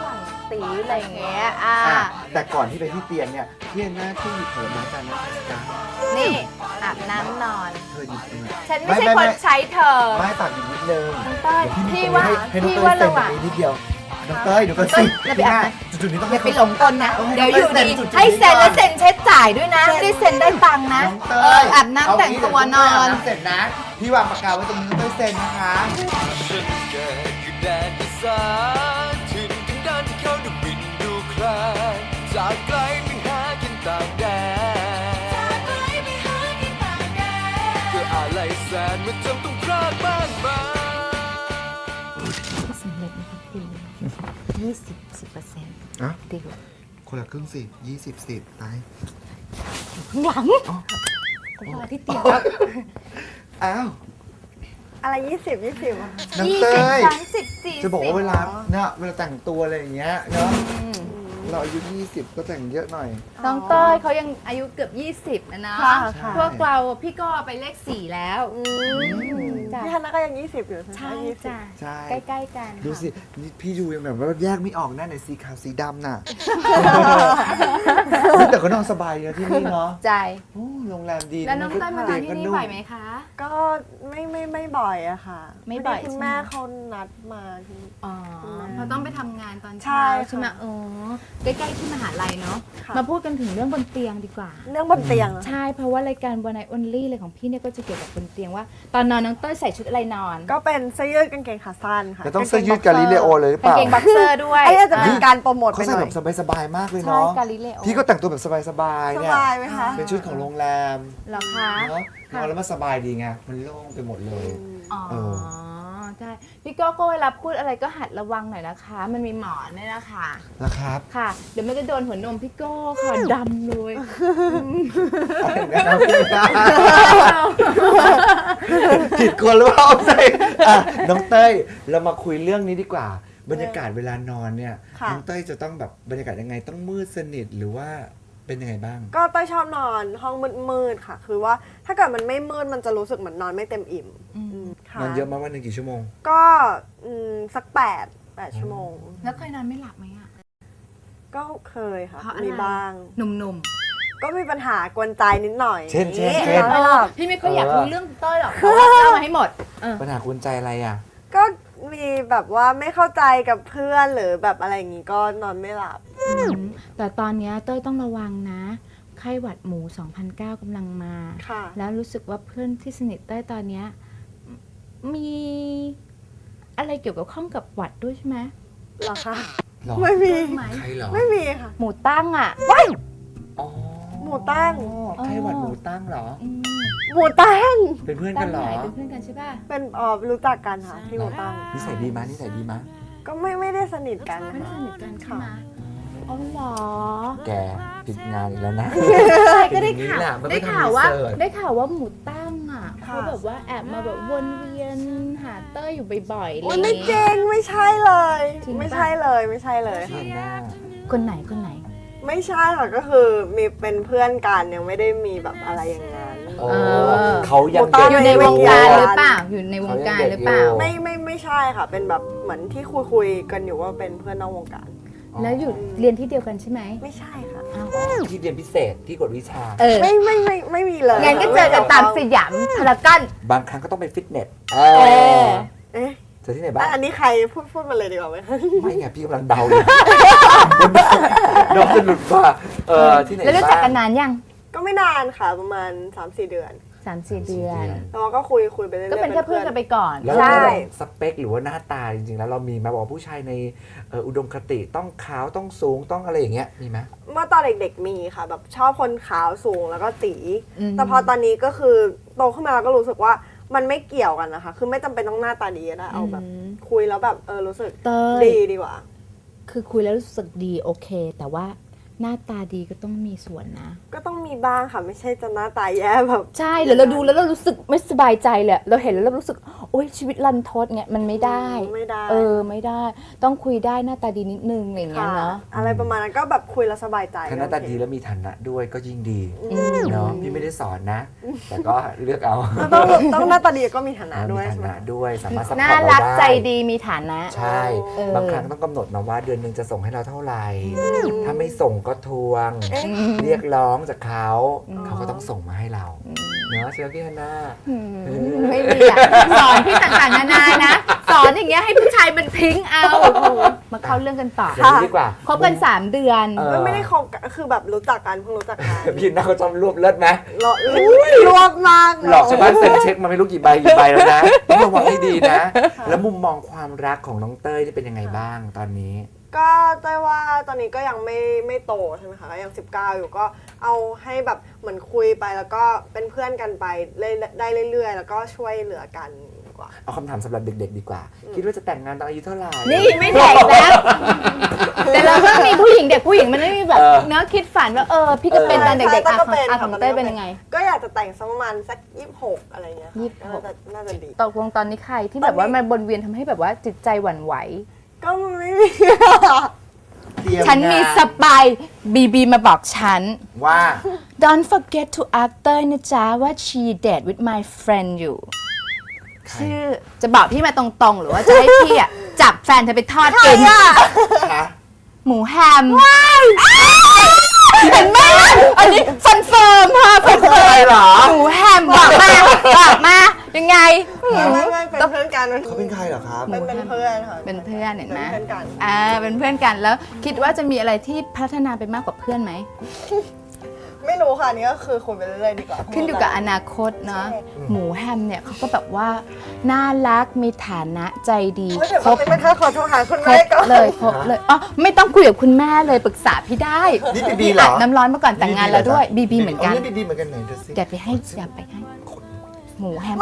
S2: ตีอะไรอย่างเงี้ยอ่า
S3: อ่ะแต่ก่อนที่ไปที่เตียงเนี่ยพี่แอนนาที่หยิบผลไม้จานนั้นจ้ะ
S2: นี่อาบน้ำนอน
S3: เธอหยิบเอง
S2: ฉันไม่ใช่คนใช้เธอ
S3: ไม่ฝากหยิบนิดนึง
S2: น้องเต้ย
S3: เดี๋ยว
S2: พี่
S3: มี
S2: ว่า
S3: ให้ให้น้อง
S2: พี่
S3: เต้
S2: ว่าย
S3: เซ็น
S2: ระห
S3: ตร
S2: ว่าง
S3: งนี้นิดเดียวน้องเต้ยเดี๋ยวก็สิ
S2: เราไป
S3: พี่
S2: อาบ
S3: แม่
S2: น้ำ
S3: จุดๆนี้ต้อง
S2: อย่า
S3: ให้
S2: ไปหลงกลนะ
S3: อาให้
S2: เดี๋ยวอยู่ดี
S3: จุๆ
S2: ให้เซ็นแล้ว
S3: ก่อ
S2: เซ็นเช็คจ่ายด้วยนะไม่ได้เซ็นได้ตังค์นะ
S3: น้องเต้
S2: เออย อาบน้ำแต่งตัวนอน
S3: เางี้เดี๋ยวพี่เต้ยอาบน้ำเสร็จนะ พี่วางปากกาไว้ตรงนี้น้องเต้ยเซ็นนะคะ
S5: ฉันเกิดอยู่แดนอีสานถิ่นกันดานที่เขาได้บินดูคลานจากไกลไปหากินต่างแดนเพื่ออะไรแสนมันจำต้องพลาดบ้างไหม
S2: สำเร็จนะคะคุณยี่สิบสิบเปอร์เซ็นต์
S3: อ่ะ
S2: ดีกว่า
S3: คนละครึ่งสิยี่สิบสิบตาย
S2: ข้างหลังก็รอที่เตียงครับ
S3: อ้าว
S6: อะไรยี่สิบยี่สิบอะ
S3: น้อง
S2: ยี่
S3: เต้
S2: สิบ
S3: ย
S2: สามสิบสี่สิบ
S3: จะบอกว่าเวลาเนี่ยเวลาแต่งตัวอะไรอย่างเงี้ยเนาะเราอายุยี่สิบก็แต่งเยอะหน่อย
S2: น้องเต้ยเขายังอายุเกือบยี่สิบนะนะ
S6: ค่ะค่ะ
S2: พวกเราพี่ก็ไปเลขสี่แล้ว
S6: อืม
S2: จ้ะ
S6: พี่ฮันน่าก็ยังยี่สิบอยู่ใช่
S2: ใช่
S6: ไหมยี่สิบ
S2: จ้ะ
S3: ใช่
S2: ใกล้ๆกัน
S3: ดูสิ
S2: ค่ะ
S3: นี่พี่ดูยังแบบว่าแยกไม่ออกหน้าไหนสีขาวสีดำน่ะ เฮ้ยแต่ก็นอนสบายเนอะที่นี่เนาะ
S2: ใจ
S3: โอ้โรงแรมดี
S2: แล้วน้องเต้ยมานอนที่นี่บ่อยไหมคะ
S6: ก็ไม่ไม่ไม่บ่อยอะค่ะ
S2: ไม่บ่อย
S6: พดีคุณ
S2: ใช่ไหม
S6: แม่เขานัดมาที่
S2: อ๋อเพราะต้องไปทำงานตอน
S6: ใช่
S2: เช้า
S6: ค่ะ
S2: ใช่ไหมอ๋อใกล้ๆที่มหาลัยเนาะ
S6: ค่ะ
S2: มาพูดกันถึงเรื่องบนเตียงดีกว่า
S6: เรื่องบนเตียงอะ
S2: ใช่ เพราะว่ารายการวันไนออนลี่เลยของพี่เนี่ยก็จะเกี่ยวกับบนเตียงว่า ตอนนอนน้องเต้ยใส่ชุดอะไรนอน
S6: ก็เป็นเสื้อยืดกางเกงขาสั้นค่ะ
S3: จะต้องเสื้อยืดกาลิเลโอเลยหรือเป
S2: กาง
S3: ล่า
S2: เกงบ็อกเซอร์ด้วย
S6: ไอ้อาจจะเป็นการโปรโมท
S3: เขา
S6: ไปห
S3: ใส่
S6: น่อ
S3: แบ
S6: ย
S3: บสบายๆมากเลย
S2: ใช่
S3: เนาะ
S2: กาลิเลโอ
S3: พี่ก็แต่งตัวแบบสบาย
S6: ส
S3: ๆเนี่ย
S6: บายไหมคะ
S3: เป็นชุดของโรงแรม
S2: เหรอคะ
S3: เนาะนอนแล้วมันสบายดีไง มันโล่งไปหมดเลย
S2: อ๋อ
S3: เออ
S2: ใช่พี่โก้ก็เวลาพูดอะไรก็หัดระวังหน่อยนะคะ มันมีหมอนเนี่ยนะคะ
S3: นะครับ
S2: ค่ะ เดี๋ยวมันจะโดนหัวนมพี่โก้ค่ะดำเลย
S3: ผิดคนหรือเปล่าใช่อ่ะน้องเต้ยเรามาคุยเรื่องนี้ดีกว่า บรรยากาศเวลานอนเนี่ย
S6: ค่ะ
S3: น้องเต้ยจะต้องแบบบรรยากาศยังไงต้องมืดสนิทหรือว่าเป็นยังไงบ้าง
S6: ก็เต้ยชอบนอนห้องมืดๆค่ะ คือว่าถ้าเกิดมันไม่มืดมันจะรู้สึกเหมือนนอนไม่เต็มอิ่ม
S2: อืม
S6: อืมค่ะ
S3: นอนเยอะมากวันหนึ่งกี่ชั่วโมง
S6: ก็อืมสักแปดแปดชั่วโมง
S2: แล้วเคยนอนไม่หลับไหมอะ
S6: ก็เคยค่ะ
S2: เพราะอะไร
S6: มีบ้าง
S2: หนุ่ม
S6: ก็มีปัญหากวนใจนิดหน่อย
S3: เช่นเช่น
S6: นี่
S3: เช่น
S6: นอนไม่หลับ
S2: ๆพี่ไม่ค่อยอยาก
S3: เออ
S2: รู้เรื่องเต้ยหรอกแต่ว่าเล่ามาให้หมดเออ
S3: ปัญหาคุณใจอะไรอ่ะ
S6: ก็มีแบบว่าไม่เข้าใจกับเพื่อนหรือแบบอะไรอย่างงี้ก็นอนไม่หลับ
S2: อืมแต่ตอนเนี้ยเต้ยต้องระวังนะ ไข้หวัดหมู สองพันเก้า กำลังมา
S6: ค่ะ
S2: แล้วรู้สึกว่าเพื่อนที่สนิทเต้ยตอนเนี้ยมีอะไรเกี่ยวกับข้องกับหวัดด้วยใช่ไหม
S6: เหรอคะ
S3: หรอ
S6: ไม่มี
S2: ไหม
S3: ใครเหรอ
S6: ไม่มีค่ะ
S2: หมูตั้งอ่ะ
S3: อ๋อ
S6: หมูตั้ง
S3: ไข้หวัดหมูตั้งเหรอ
S2: อืม
S6: หมูตั้ง
S3: เป็นเพื่อน
S2: ตั้
S3: กั
S2: ง
S3: นเหร
S2: ไห
S3: อน
S2: เป็นเพื่อนกันใช่ป่ะ
S6: เป็นอ๋อรู้จักกันค่ะที่หมูตั้ง
S3: นิสัยดีมั้ยนิสัยดีมั้ย
S6: ก็ไม่ไม่ได้สนิทกัน
S2: ไม่ได้
S6: ค่ะ
S2: สนิทกันใช่ไหมอ๋อเหรอ
S3: แกผิดงานอีกแล้วนะ
S2: ใช่ก็ได้ข่าว
S3: เป็นอย่างนี้แหละมันไม่
S2: ได้ข่าวว่า
S3: ทำรีเสิร์ช
S2: ได้ข่าวว่าหมูตั้งอ่ะ
S6: ค่ะ
S2: เขาแบบว่าแอบมาแบบวนเวียนหาเต้ยอยู่บ่อยๆอะไร
S6: โอ้
S2: อย ย่าง
S6: ไม่
S2: งี้
S6: จริงไม่ใช่เลย
S2: จริงปะ
S6: ไม่ใช่เลยไม่ใช่เลย
S3: เพื่อนหน้า
S2: คนไหนคนไหน
S6: ไม่ใช่ค่ะก็คือมีเป็นเพื่อนกันยังไม่ได้มีแบบอะไรอย่างนั้น
S3: โอ้
S2: เออ
S3: เขายัง
S6: หมูตั้
S3: เด็ก
S2: อยู่ในวงการหรือเปล่า อยู่ในวงการหรือเปล่า
S6: ไม่ไม่ไม่ใช่ค่ะ เป็นแบบเหมือนที่คุยคุยๆกันอยู่ว่าเป็นเพื่อนนอกวงการ
S2: แล้วอยู่เรียนที่เดียวกันใช่ไหม
S6: ไม่ใช่ค่ะ
S2: อ้าว
S3: ที่เรียนพิเศษที่กวดวิชา
S2: เออ
S6: ไม่ไม่ไม่ไม่มีเลย
S2: งั้นก็เจอกันตามสยามพารากอน
S3: บางครั้งก็ต้องไปฟิตเนสเอ
S2: เอ
S3: อ
S2: อ
S6: เอ๊ะ
S3: เจอที่ไหนบ้าง
S6: อ่ะอันนี้ใครพูดพูดมาเลยดีกว่าไหมคะ
S3: ไม่ไงพี่กำลังเดาอยู่น้องจะหลุดว่าเออที่ไหน
S2: แล้วรู้
S3: บ้าง
S2: จักกันนานยัง
S6: ก็ไม่นานค่ะประมาณ สามสี่ เดือน
S2: สามสี่เดือน
S6: แล้วเราก็คุยคุยไปเรื่อยๆ
S2: ก็เป็นแค่เพื่อนกันไปก่อน
S3: แล้ว
S6: ใช่
S3: เราสเปคหรือว่าหน้าตาจริงๆ แล้วเรามีมาบอกว่าผู้ชายในเอ่ออุดมคติต้องขาวต้องสูงต้องอะไรอย่างเงี้ยมีไหม
S6: เมื่อตอนเด็กๆมีค่ะ แบบชอบคนขาวสูงแล้วก็ตี
S2: อืม
S6: แต่พอตอนนี้ก็คือโตขึ้นมาเราก็รู้สึกว่ามันไม่เกี่ยวกันนะคะ คือไม่จำเป็นต้องหน้าตาดีก็ได้เอาแบบ
S2: อืม
S6: คุยแล้วแบบเออรู้สึก
S2: เต้ย
S6: ดีดีกว่า
S2: คือคุยแล้วรู้สึกดีโอเค แต่ว่าหน้าตาดีก็ต้องมีส่วนนะ
S6: ก็ต้องมีบ้างค่ะไม่ใช่จะหน้าตาแย่แบบ
S2: ใช่หรือเราดูแล้วเรารู้สึกไม่สบายใจเลยเราเห็นแล้วเรารู้สึกโอ๊ยชีวิตรันทดเงี้ยมันไม่ได้
S6: ไม่ได้
S2: เออไม่ได้ต้องคุยได้หน้าตาดีนิดนึงอะไรอย่างเงี้ย
S6: ค่ะ
S2: เนาะ
S6: อะไรประมาณนั้นก็แบบคุยแล้วสบายใจ
S7: ถ้าหน้าตาดีแล้วมีฐานะด้วยก็ยิ่งดี
S2: อืม
S7: เนาะพี่ไม่ได้สอนนะ แต่ก็เลือกเอา
S6: แล้วต้องต้องหน้าตาดีก็มีฐานะ
S7: มี
S6: ด้วย
S7: ฐา
S6: ใช่ไหม
S7: นะด้วยสามารถซัพพอ
S2: น่า
S7: ร์ตเรา
S2: รัก
S7: ได้
S2: ใจดีมีฐานะ
S7: ใช่
S2: เออ
S7: บางครั้งต้องกำหนดมาว่าเดือนหนึ่งจะส่งให้เราเท่าไหร่ ถ้าไม่ส่งก็ทวง เรียกร้องจากเขา เขาก็ต้องส่งมาให้เรา เนาะใช่ไหมพี่ฮันน่า
S2: อืมไม่มีอะสอนพี่ต่างๆนานานะ สอนอย่างเงี้ยให้ผู้ชายมันพริ้งเอามาเข้าเรื่องกันต่อ
S7: อย่างนี้ดีกว่า
S2: คบกันสามเดือน
S7: เออ
S6: ไม่ไม่ได้คบกันคือแบบรู้จักกันเพิ่งรู้จักกัน
S7: พี่ฮันน่าเขาชอบรวบเลิศไหม
S6: หลอกรวบมาก
S7: หลอกชาวบ้านเซ็นเช็คมาไม่รู้กี่ใบกี่ใบแล้วนะต้องระวังให้ดีนะ แล้วมุมมองความรักของน้องเต้ยนี่เป็นยังไงบ้างตอนนี้
S6: ก็เต้ยว่าตอนนี้ก็ยังไม่ไม่โตใช่ไหมคะก็ยังสิบเก้าอยู่ก็เอาให้แบบเหมือนคุยไปแล้วก็เป็นเพื่อนกันไปเรื่อยได้เรื่อยๆ แล้วก็ช่วยเหลือกันดีกว่า
S7: เอาคำถามสำหรับเด็กๆดีกว่า คิดว่าจะแต่งงานตอนอายุเท่าไหร่
S2: นี่ไม่แตกแล้ว แต่เราก็มีผู้หญิงเด็กผู้หญิงมันไม่มีแบบ
S7: เออ
S2: เนื้อะคิดฝันว่าเออพี่ก็เป็นตอนเด็กๆ
S6: ใช่
S2: อะ
S6: ก็
S2: ของ
S6: เป็น
S2: อะของ
S6: ค่ะ
S2: เต้ยเป็นยังไง
S6: ก็อยากจะแต่งสักประมาณสักยี่สิบหกอะไรเงี้ยค่ะ
S2: ยี่สิบหก
S6: น่าจะน่าจะดี
S2: ตกลงตอนนี้ใครที่แบบว่ามันบนเวียนทำให้แบบว่าจิตใจหวั่นไหว
S6: ก็ไม่มี
S3: เตรีย
S2: ฉันมี
S3: งา
S2: สปายบีบีมาบอกฉัน
S3: ว่า
S2: Don't forget to ask เต้ยนะจ๊ะว่า she date with my friend อยู่ ชื่อจะบอกพี่มาตรงๆ หรือว่าจะให้พี่อ่ะ จับแฟนเธอไปทอดกิน
S3: คะ
S2: หมูแฮมเห็นไหมอันนี้ฟันเฟิร์มค่ะฟันเฟิร์ม
S3: เหรอ
S2: หมูแฮมบอกมาบอกมายังไง
S6: ไม่ไม่เป็นเพื่อนกัน
S3: เขาเป็นใครเหรอครับ
S6: เป็นเป็นเพื่อนค่ะ
S2: เป็นเพื่อนเห็นไหม
S6: เป็นเพื่อนกัน
S2: อ่าเป็นเพื่อนกันแล้วคิดว่าจะมีอะไรที่พัฒนาไปมากกว่าเพื่อนไหม
S6: ไม่รู้ค่ะอันนี่ก็คือคุยไปเรื่อยๆดีกว่า
S2: ขึ้นอยู่กับอนาคตเนาะหมูแฮมเนี่ยเขาก็แบบว่าน่ารักมีฐานะใจดี
S6: เฮ้ยเดี๋ยว
S2: ครบ
S6: ไม่ค่าขอโทรหาคุณ
S2: คร
S6: แม่
S2: บ
S6: ก่อน
S2: เลยครบเลยอ๋อไม่ต้องคุยกับคุณแม่เลยปรึกษาพี่ได้
S3: นี่บีบีเหรอ
S2: อาบน้ำร้อนมาก่อนแต่งงานแล้วด้วยบีบีเหมือนกัน
S3: นี่บีบีเหมือนกันไหนดูสิ
S2: อย่าไปให้อย่าไปให้หมูแฮม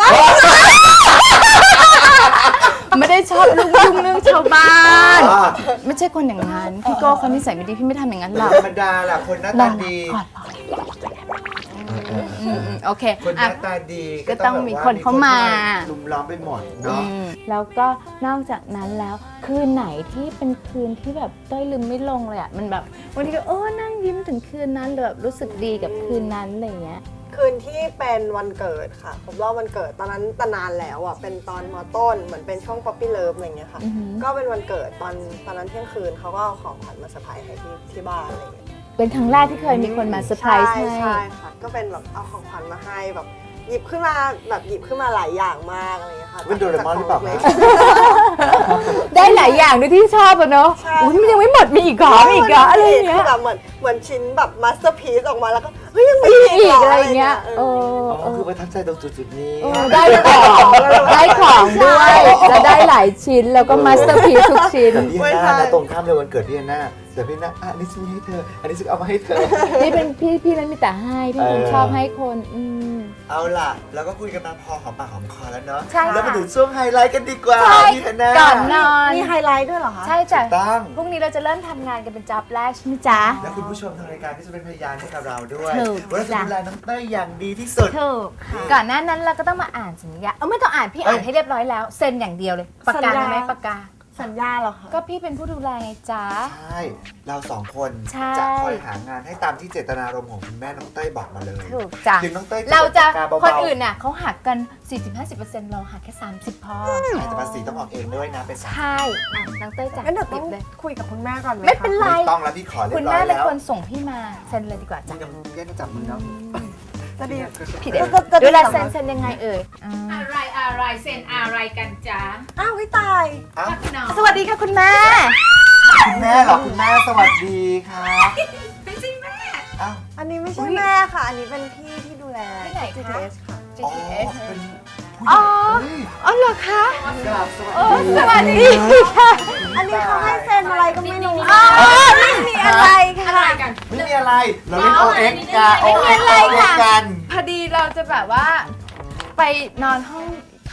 S2: ไม่ได้ชอบลุ่งลุ่งเรื่องชาวบ้าน
S3: อ๋อ
S2: ไม่ใช่คนอย่างนั้นพี่โก้เขานิสัยไม่ดีพี่ไม่ทำอย่างนั้นหรอก
S3: ธรรมดาแหละคนหน้าร ตา
S2: อ
S3: ดี
S2: ก่อนรออืมอืมโอเค
S3: คนห
S2: อ่ะ
S3: น้าตาดี
S2: ก็ต้องมีคนเข้ามา
S3: ลุมล้อมไปหมด
S2: อื
S3: เนาะ
S2: มแล้วก็นอกจากนั้นแล้วคืนไหนที่เป็นคืนที่แบบเต้ยลืมไม่ลงเลยอ่ะมันแบบวันนี้ก็เออนั่งยิ้มถึงคืนนั้นเลยแบบรู้สึกดีกับคืนนั้นอะไรอย่างเงี้ย
S6: คืนที่เป็นวันเกิดค่ะผมรอบวันเกิดตอนนั้นตนานแล้วอ่ะเป็นตอนมต้นเหมือนเป็นช่วงป๊อปปี้เลิฟอะไรเงี้ยค่ะ
S2: อือหือ
S6: ก็เป็นวันเกิดตอนตอนนั้นเที่ยงคืนเขาก็เอาของขวัญมาเซอร์ไพรส์ให้ที่ที่บ้านอะไรเงี้ย
S2: เป็นครั้งแรกที่เคยมีคนมาเซอร์ไพรส์ให้
S6: ใช่ค่ะก็เป็นแบบเอาของขวัญมาให้แบบหยิบขึ้นมาแบบหยิบขึ้นมาหลายอย่างมากอะไรเงี้ยค่ะ
S3: เป็นโดเรมอนหรือเปล่าคะ
S2: ได้หลายอย่างด้วยที่ชอบอะเนาะ
S6: ใช่
S2: อุ้ยมันยังไม่หมดมีอีกเหรอมีอีกเหรออะไรอย่างเงี้
S6: คื
S2: ย
S6: อแบบเหมือนเหมือนชิ้นแบบมาสเตอร์พีซออกมาแล้วก็เฮ้ยยังมี
S2: มีอีก
S6: ห
S2: อะไรอย่างเงี้ย
S6: เอ
S2: เอ
S6: อ
S2: อ
S3: อ๋อ
S2: เออ
S3: คือประทับใจตรงจุดๆนี้
S2: เออได้ของได้ของด้วยแล้วได้หลายชิ้นแล้วก็มาสเตอร์พีซทุกชิ้น
S3: แต่พี่ฮันน่านะตรงข้ามเลยวันเกิดพี่ฮันน่าแต่พี่ฮันน่าอ่ะอันนี้ฉันมีให้เธอ อันนี้ฉันเอามาให้เธอ
S2: นี่เป็นพี่พี่นั้นมีแต่ให้พี่เป็นคน
S3: เออ
S2: ชอบให้คนอืม
S3: เอาล่ะ แล้วก็คุยกันมาพอหอมปากหอมคอแล้วเนาะ
S2: ใช่ค่ะ
S3: แล้วมาถึงช่วงไฮไลท์กันดีกว่า
S2: ใช่
S3: พี่ฮันน่า
S2: ก่อนนอน
S6: มีไฮไลท์ด้วยเหรอคะ
S2: ใช่จ้ะ
S3: ตั้ง
S2: พรุ่งนี้เราจะเริ่มทำงานกันเป็นจ็อบแรกใช่ไหมจ๊ะ
S3: และคุณผู้ชมทางรายการที่จะเป็นพยานให้กับเราด้วย
S2: ถูก
S3: ว่าเราจะ
S2: จ้ะ
S3: ดูแลน้องเต้ยอย่างดีที่สุด
S2: ถูกก่อนหน้านั้นเราก็ต้องมาอ่านสัญญาเออไม่ต้องอ่านพี่อ่าน
S3: เอ้ย
S2: ให้เรียบร้อยแล้วเซ็นอย่างเดียวเลยปากกา
S6: สัญญา
S2: ได้ไหมปากกา
S6: สัญญาเหรอคะ
S2: ก็พี่เป็นผู้ดูแลไงจ๊ะ
S3: ใช่ เราสองคน
S2: ใช่
S3: จะคอยหางานให้ตามที่เจตนารมณ์ของคุณแม่น้องเต้ยบอกมาเลย
S2: ถูกจ้ะ
S3: ถึงน้องเต้ย
S2: เราจะ
S3: ปากกาเบาๆ
S2: คนอื่นน่ะเขาหักกัน สี่สิบห้าสิบเปอร์เซ็นต์ เราหักแค่ สามสิบพอ
S3: แต่ภาษีต้องออกเองด้วยนะเป็นสาม
S2: ใช่อ่ะน้องเต้ยจ้ะ
S6: งั้นเดี๋ยว
S2: ติ
S6: ต้อ
S2: ด
S6: ง
S2: เลย
S6: คุยกับคุณแม่ก่อนไหมคะ
S2: ไม่เป็นไร
S3: ไม่ต้องแล้วพี่ขอเรีย
S2: คุณ
S3: บร้อ
S2: แม่
S3: ย
S2: เป็น
S3: แล้ว
S2: คนส่งพี่มาเซ็นเลยดีกว่าจ้ะ
S3: นี่ยังแยกจับมือเนาะ
S6: จะดี
S2: ผิดเอง
S6: จะจะ
S2: เวลา
S6: จะ
S2: เซ็นเซ็นยังไงเอ่ย
S8: อะไรอะไรเซ็นอะไรกันจ๊ะ
S6: อ้าวพี่ตาย
S3: เอ้า
S8: หนอ
S2: สวัสดีค่ะคุณแม่
S3: คุณแม่เหรอคุณแม่สวัสดีครับ
S8: ไม่ใช่แม่
S3: เอ้า
S6: อันนี้ไม่ใช่แม่ค่ะ อันนี้เป็นพี่ที่ดูแล
S2: ที่ไหนคะ
S6: จี ที เอส ค่ะ
S3: อ๋อ
S2: จี ที เอส
S3: เป็นผู้
S2: อ๋อ
S3: หญิง
S2: อ๋อเหรอคะ
S3: กราบส
S2: โอ้
S3: วัสดี
S2: สวัสดีค่ะ
S6: อันนี้เขาให้เซ็นอะไรก็ไม่รู้
S2: อ๋อไม่มีอะไรค่ะ
S8: อะไรกัน
S3: ไม่มีอะไร เราเล่น
S8: อ๋
S3: โอ
S8: อ
S3: เอ็ก
S8: อันนี้
S3: กัน
S8: ไม่
S3: โอ
S8: มี
S3: เอ็ก
S2: อะไรค่ะ
S3: กัน
S2: พอดีเราจะแบบว่า ไปนอนห้อง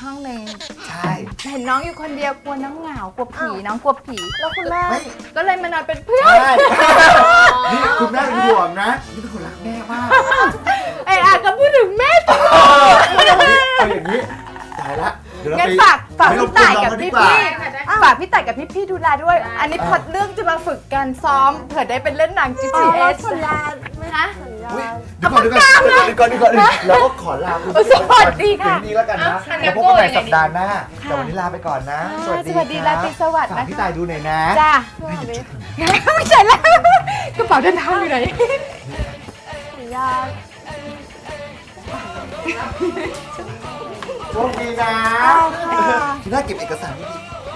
S2: ห้องหนึ่ง
S3: ใช่
S2: เห็นน้องอยู่คนเดียวกลัวน้องเหงากลัวผีน้องกลัวผี
S6: แล้วคุณแม่
S3: ไม่
S2: ก็เลยมานอนเป็นเพื่อน
S3: ใช่นี่คุณแม่เป็นห่วงนะนี่เป็นคนรักแม่มาก
S2: ไอ้อาก็พูดถึงแม่ตลอด
S3: เอาอย่างนี้ตายละเดี๋ยวเรา
S2: งั้น
S3: ไป
S2: ฝากฝาก
S3: ไปร
S2: พี่
S3: บกวน
S2: ต่าย
S3: น้อง
S2: กับ
S3: เขาดี
S2: พี่
S3: กว่า
S2: พี่ฝากพี่ต่ายกับพี่พี่ดูแลด้วย อันนี้พอดเรื่องจะมาฝึกการซ้อมเผื่อได้เป็นเล่นหนัง จี
S6: อ๋
S2: ที
S6: อ
S2: เอ
S6: เรา
S2: ส
S6: สัญญาไม่
S2: ฮะ
S6: สัญญา
S3: อุ๊ยเดี๋ยวก่อนเดี๋ยวก่อนเดี๋ยวก่อนเดี๋ยวก่อนเดี๋ยวก่อนเราก็ขอลาคุณผู้ชม
S2: สวัสดีค่ะ
S3: เพียงนี้แล้วกันนะ
S8: อ่ะ
S3: แล้วพบกันใหม่สัปดาห์หน้าแต่วันนี้ลาไปก่อนนะ
S2: ค่ะ
S3: สวัสดี
S2: สวัสดี
S3: ค
S2: รา
S3: รับ
S2: ตรีสวัสดิ์
S3: ฝาก
S2: นะคะ
S3: พี่ตายดูหน่อยนะ
S2: จ้า
S6: สวัสดี
S2: ไม่ใช่แล้วกระเป๋าเดินทางอยู่ไหน
S6: สัญญา
S3: โชคดีนะ
S6: ค่ะ
S3: พี่น่าเก็บเอกสารดี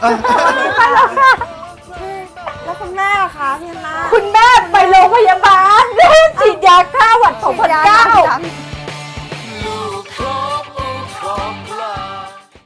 S6: แล้วคุณแม่อะคะพี่ฮันน่า
S2: คุณแม่ไปโรงพยาบาล